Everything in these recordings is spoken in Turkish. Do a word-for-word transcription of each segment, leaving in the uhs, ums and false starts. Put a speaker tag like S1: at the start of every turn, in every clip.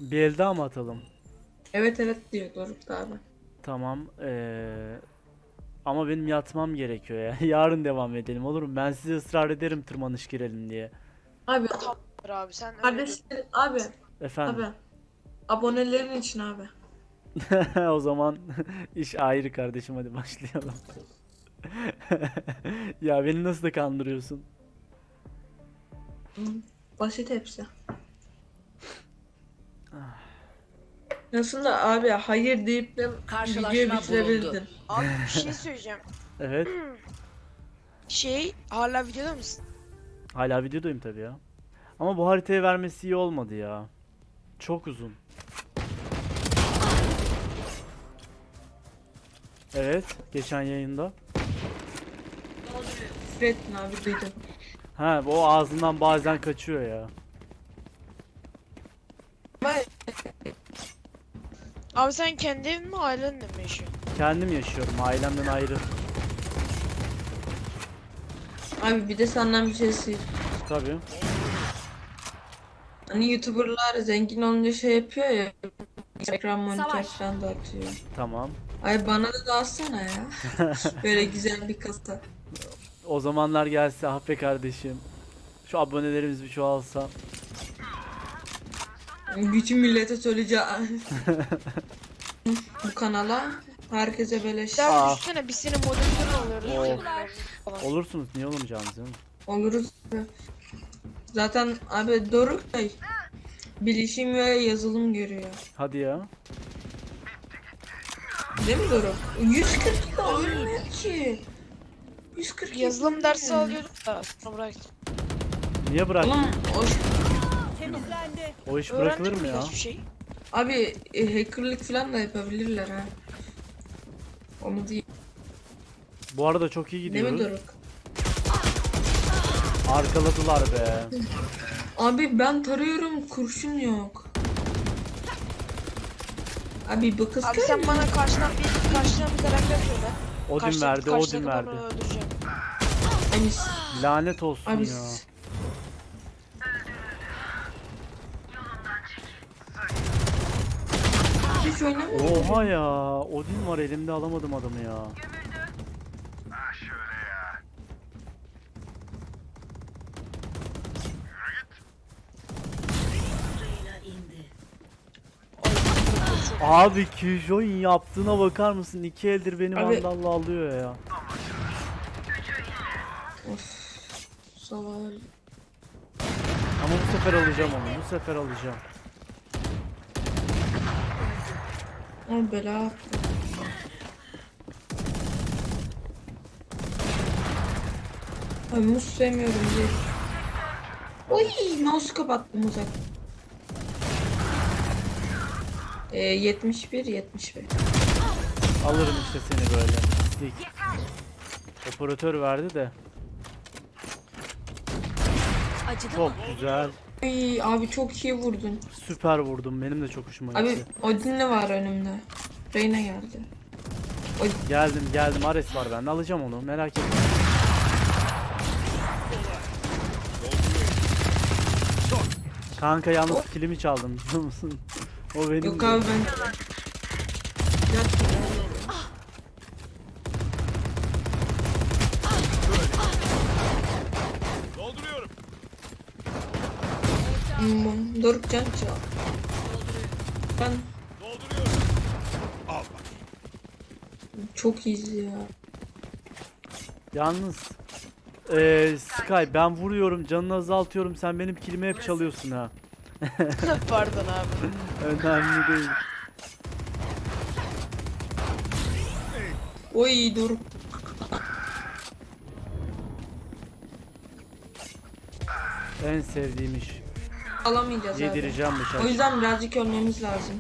S1: Bir el daha mı atalım?
S2: Evet evet diyor Doruk da abi.
S1: Tamam. Ee, ama benim yatmam gerekiyor ya. Yarın devam edelim olur mu? Ben size ısrar ederim tırmanış girelim diye.
S2: Abi
S3: Tamamdır abi, sen öyle diyorsun.
S2: kardeşlerin abi
S1: Efendim.
S2: abi abonelerin için abi.
S1: O zaman iş ayrı kardeşim, hadi başlayalım. Ya beni nasıl da kandırıyorsun?
S2: Hı, basit hepsi. Nasıl da abi hayır deyip de videoyu
S4: Karşılaşma
S2: bitirebildin.
S3: Abi bir şey söyleyeceğim.
S1: Evet.
S3: Şey, hala videoda mısın?
S1: Hala videodayım tabii ya. Ama bu haritayı vermesi iyi olmadı ya. Çok uzun. Evet, geçen yayında.
S2: Küfür ettin abi duydum.
S1: Ha, o ağzından bazen kaçıyor ya.
S3: Abi sen kendi evin mi, ailenle mi yaşıyorsun?
S1: Kendim yaşıyorum, ailemden ayrı.
S2: Abi bir de senden bir şey isteyeyim.
S1: Tabii.
S2: Hani YouTuber'lar zengin olunca şey yapıyor ya. Ekran monitör
S4: Savaş.
S2: falan da atıyor.
S1: Tamam.
S2: Ay bana da dağıtsana ya. Böyle güzel bir kasa.
S1: O zamanlar gelse ah be kardeşim. Şu abonelerimiz bir çoğalsa.
S2: Bütün millete söyleyeceğim. Bu kanala herkese beleş.
S3: Sen
S1: Aa.
S3: düşünsene, biz senin moderatörün oluyoruz.
S1: Oo. Olursunuz, niye olmayacağınız canım?
S2: Oluruz. Zaten abi Doruk Bey bilişim ve yazılım görüyor.
S1: Hadi ya.
S2: Değil mi Doruk? yüz kırk da ölmüyor ki. yüz kırk
S3: Yazılım dersi alıyorduk da sonra bıraktım.
S1: Niye bırak?
S2: Oğlum o,
S4: Temizlendi.
S1: O iş bırakılır
S3: Öğrendik
S1: mı ya?
S3: hiçbir şey.
S2: abi e, hackerlık falan da yapabilirler ha. Onu değil.
S1: Bu arada çok iyi
S2: Değil mi
S1: gidiyoruz.
S2: Doruk?
S1: Arkaladılar be.
S2: Abi ben tarıyorum kurşun yok. Abi bu kız
S3: Abi
S2: kör
S3: sen
S2: mü?
S3: bana karşıdan bir karşıdan bir karakter söyle.
S1: Odin
S3: Karşı-
S1: verdi,
S3: karşıdaki
S1: Odin
S3: adamı
S1: verdi.
S3: öldüreceğim.
S2: Abi,
S1: Lanet olsun
S2: abi
S1: ya.
S2: hiç oynamıyor.
S1: Oha ya. Odin var elimde, alamadım adamı ya. Abi Killjoy'un yaptığına bakar mısın? İki eldir beni
S2: Abi-
S1: vandalla alıyor ya.
S2: Salak.
S1: Ama bu sefer alacağım onu. Bu sefer alacağım.
S2: Ama bela attı. Abi muz sevmiyorum diye. Oy mouse kapattım uzak. Ee, yetmiş bir yetmiş bir.
S1: Alırım işte seni böyle. Pislik. Operatör verdi de.
S4: Acıdı
S1: Çok
S4: mı?
S1: güzel.
S2: Ay abi çok iyi vurdun.
S1: Süper vurdum. Benim de çok hoşuma
S2: Abi
S1: gitti.
S2: Odin'le var önümde. Reyna geldi.
S1: Geldim geldim. Ares var bende. Alacağım onu. Merak etme. Kanka yalnız kilimi çaldım biliyor musun? O benim
S2: Yok
S1: de.
S2: abi ben... Yat.
S5: Dolduruyorum.
S2: Hmm, Doruk can çal. Ben
S5: Dolduruyorum. Al bak.
S2: çok iyiyiz ya.
S1: Yalnız eee Sky, ben vuruyorum, canını azaltıyorum, sen benim kilimi hep çalıyorsun ha.
S3: Pardon abi.
S1: Önemli değil.
S2: Oy Doruk.
S1: En sevdiğim iş.
S2: Alamayacağız abi.
S1: Yedireceğim
S2: O
S1: bıçak.
S2: yüzden birazcık ölmemiz lazım.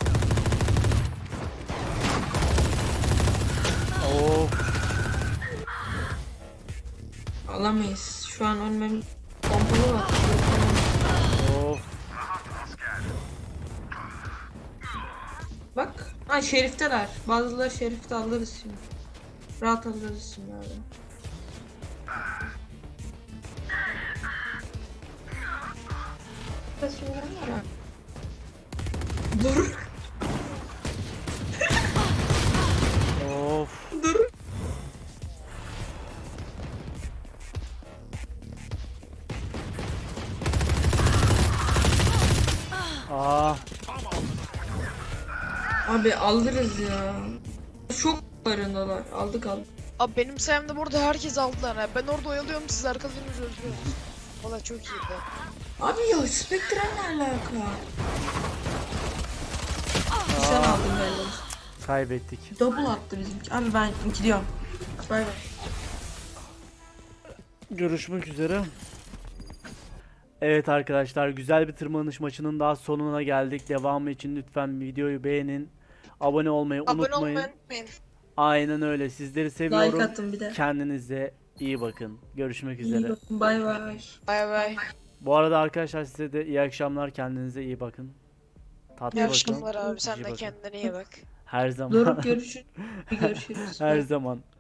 S1: Of.
S2: Alamayız. Şu an ölmemiz... Pompalı var.
S1: Of.
S2: Bak. Ha şerifteler. Bazıları şerifte alırız şimdi. Rahat alırız şimdi abi. Şimdi var ya. Dur.
S1: Of.
S2: Dur.
S1: Aa.
S2: Abi alırız ya. Çok barındalar. Aldık aldık.
S3: Abi benim sayemde burada herkes aldılar ha. Ben orada oyalıyorum, siz arkalarınızı öldürüyorsunuz. Valla çok iyiydi.
S2: Abi ya Spectre ne alaka? Sen aldın galiba.
S1: Kaybettik.
S2: Double attı bizimki. Abi ben gidiyorum. Bay bay.
S1: Görüşmek üzere. Evet arkadaşlar, güzel bir tırmanış maçının daha sonuna geldik. Devamı için lütfen videoyu beğenin. Abone olmayı
S3: Abone
S1: unutmayın.
S3: olmayı unutmayın.
S1: Aynen öyle. Sizleri
S2: Like
S1: seviyorum.
S2: attım bir de.
S1: Kendinize iyi bakın. Görüşmek
S2: İyi
S1: üzere.
S2: bakın. Bay bay.
S3: Bay bay.
S1: Bu arada arkadaşlar size de iyi akşamlar. Kendinize iyi bakın. Tatlı
S3: İyi
S1: bakın.
S3: akşamlar abi,
S1: iyi
S3: sen de
S1: bakın.
S3: kendine iyi bak.
S1: Her zaman.
S2: Doruk görüşürüz. Görüşürüz.
S1: Her zaman.